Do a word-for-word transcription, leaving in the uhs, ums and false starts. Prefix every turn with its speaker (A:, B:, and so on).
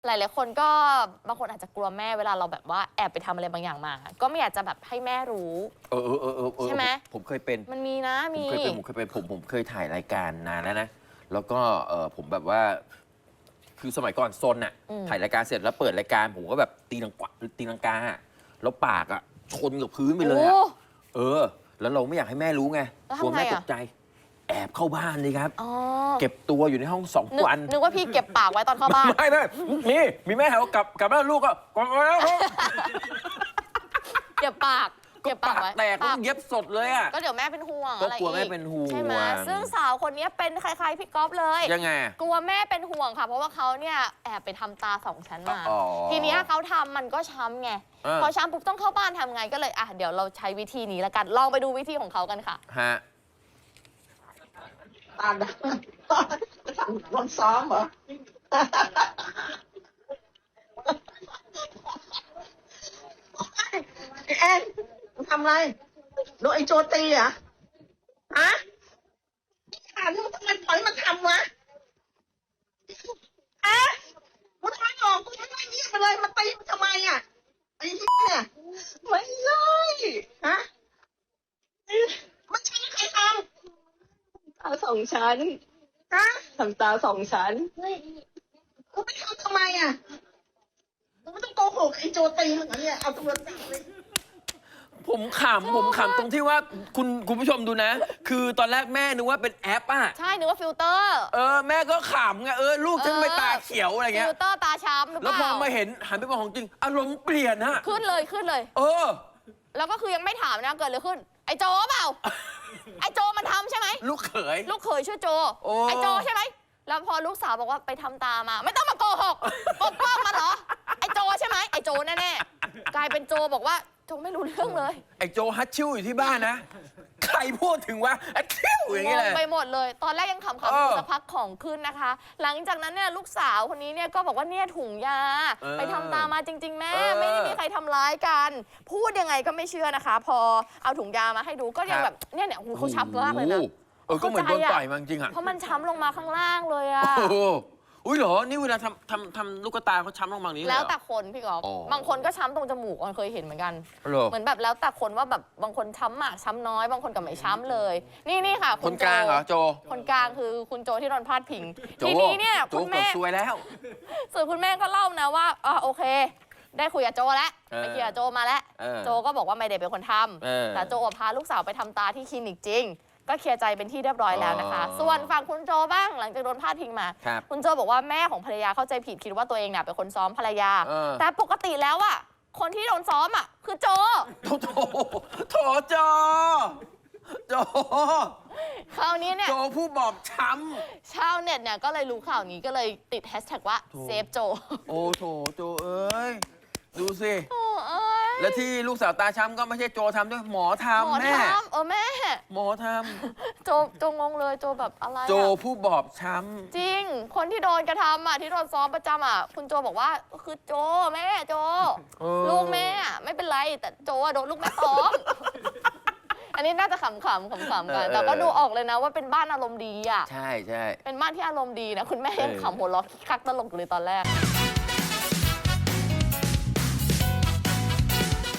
A: หลายๆคนก็บางคนอาจจะกลัวแม่เวลาเราแบบว่าแอบไปทำอะไรบางอย่างมา ก็ไม่อยากจะแบบให้แม่รู้
B: เออเออเออเออ
A: ใช่ไหม
B: ผมเคยเป็น
A: มันมีนะ
B: ผม
A: มี
B: เคยเป็นผมเคยเป็นผมผมเคยถ่ายรายการนานแล้วนะแล้วก็เออผมแบบว่าคือสมัยก่อนซนอะถ่ายรายการเสร็จแล้วเปิดรายการผมก็แบบตีลังกาตีลังกาแล้วปากอะชนกับพื้นไปเลยอะเออ แล้วเราไม่อยากให้แม่รู้ไงกลัวแม่ตกใจแอบเข้าบ้านเลยครับเก็บตัวอยู่ในห้องสองวัน
A: นึกว่าพี่เก็บปากไว้ตอนเข้าบ้าน
B: ไม่ไม่มีมีแม่ถามว่ากลับกลับแล้วลูกก็กลับมาแล้ว
A: เก็บปากเก็บปากไว้
B: แตกเย็บสดเลยอ่ะ
A: ก็เดี๋ยวแม่เป็นห่วง
B: อะไรอีกก็กลัวแม่เป็นห่วง
A: ใช่ไหมซึ่งสาวคนนี้เป็นคล้ายๆพี่ก๊อฟเลย
B: ยังไง
A: กลัวแม่เป็นห่วงค่ะเพราะว่าเขาเนี่ยแอบไปทำตาสองชั้นมาทีนี้เขาทำมันก็ช้ำไงพอช้ำปุ๊บต้องเข้าบ้านทำไงก็เลยอ่ะเดี๋ยวเราใช้วิธีนี้แล้วกันลองไปดูวิธีของเขากันค่ะ
B: ฮะ
C: ตาดำวันซ้อมเหรอแอนทำไรโดนไอโจตีอ่ะฮะอ่านมันทำไมปล่อยมันทำวะเอ๊ะกูทำไมออกกูทำไมเงียบไปเลยมาตีมันทำไมอ่ะไอ้เนี่ยไม่ใช่ฮะมันใช่ใครทำ
D: ตาสองชั้น
C: ฮะ
D: ทำตาสองชั้น
C: กูไปทำทำไมอ่ะกูไม่ต้องโกหกไอ้โจตีเหมือนเนี่ยเอาตัวตีเลย
B: ผมขำผมขำตรงที่ว่าคุณคุณผู้ชมดูนะ คือตอนแรกแม่นึกว่าเป็นแอปอ่ะ
A: ใช่นึกว่าฟิลเตอร์
B: เออแม่ก็ขำไงเออลูกฉันไปตาเขียวอะไรเงี้ย
A: ฟิลเตอร์ตาช้ำหรือเป
B: แล้ว
A: ล่า
B: พอมาเห็นหันไปมองของจริงอารมณ์เปลี่ยนฮะ
A: ขึ้นเลยขึ้นเลย
B: เออ
A: แล้วก็คือยังไม่ถามนะเกิดอะไรขึ้นไอ้โจเปล่าไอ้โจมันทำใช่ไหม
B: ลูกเขย
A: ลูกเขยชื่อโจไอ้โจใช่ไหมแล้วพอลูกสาวบอกว่าไปทำตามาไม่ต้องมาโกหกปกป้องมันเหรอไอ้โจใช่ไหมไอ้โจแน่ๆกลายเป็นโจบอกว่าโจไม่รู้เรื่องเลย
B: ไอ้โจฮัตชิวอยู่ที่บ้านนะใครพูดถึงว่าฮัตชิวอย่างเงี้ยเลย
A: ไปหมดเลยตอนแรกยังขำๆอยู่สักพักของขึ้นนะคะ หลังจากนั้นเนี่ยลูกสาวคนนี้เนี่ยก็บอกว่าเนี่ยถุงยาไปทำตามาจริงๆแม่ไม่ได้มีใครทำร้ายกันพูดยังไงก็ไม่เชื่อนะคะ พอเอาถุงยามาให้ดูก็ยังแบบเนี่ยเนี่ยเขาช้ำมากเลยนะ
B: เออก็เหมือนโดนต่อยมาจริงอ่ะ
A: เพราะมันช้ำลงมาข้างล่างเลยอ่ะ
B: อุ้ยเหรอนี่เวลาทำทำทำลูกตาเขาช้ำลงมานี้
A: แล้วแต่คนพี่กอล์ฟบางคนก็ช้ำตรงจมูกออนเคยเห็นเหมือนกันเหมือนแบบแล้วแต่คนว่าแบบบางคนช้ำมากช้ำน้อยบางคนก็ไม่ช้ำเลย นี่นี่ค่ะ
B: คนกลางเหรอโจ
A: คนกลางคือคุณโจที่โดนพาดพิงทีนี้เนี่ยคุณแม่
B: ช่วยแล้ว
A: ส่วนคุณแม่ก็เล่านะว่าอ่าโอเคได้คุยกับโจแล้วไปคุยกับโจมาแล้วโจก็บอกว่าไม่ได้เป็นคนทำแต่โจพาลูกสาวไปทำตาที่คลินิกจริงก็เคลียร์ใจเป็นที่เรียบร้อยแล้วนะคะส่วนฝั่งคุณโจบ้างหลังจากโดนพาดพิงมาคุณโจบอกว่าแม่ของภรรยาเข้าใจผิดคิดว่าตัวเองเนี่ยเป็นคนซ้อมภรรยาแต่ปกติแล้วอ่ะคนที่โดนซ้อมอ่ะคือโจ
B: โถโถโถโจโจ
A: คราวนี้เนี่ย
B: โจผู้บอบช้
A: ำชาวเน็ตเนี่ยก็เลยรู้ข่าวนี้ก็เลยติดแฮชแท็กว่าเซฟโจ
B: โอ้โถโจเอ้ยดูสิแล้วที่ลูกสาวตาช้ำก็ไม่ใช่โจทำด้วยหมอทำแม่
A: เออแม่
B: หมอทำ
A: โจโจงงเลยโจแบบอะไร
B: โจผู้บอบช้
A: ำจริงคนที่โดนกระทำอ่ะที่โดนซ้อมประจำอ่ะคุณโจบอกว่าคือโจแม่โจลูกแม่ไม่เป็นไรแต่โจโดนลูกแม่ซ้อมอันนี้น่าจะขำๆขำๆกันแต่ก็ดูออกเลยนะว่าเป็นบ้านอารมณ์ดีอ่ะ
B: ใช่ใช่
A: เป็นบ้านที่อารมณ์ดีนะคุณแม่ยังขำหัวเราะคักตลกเลยตอนแรก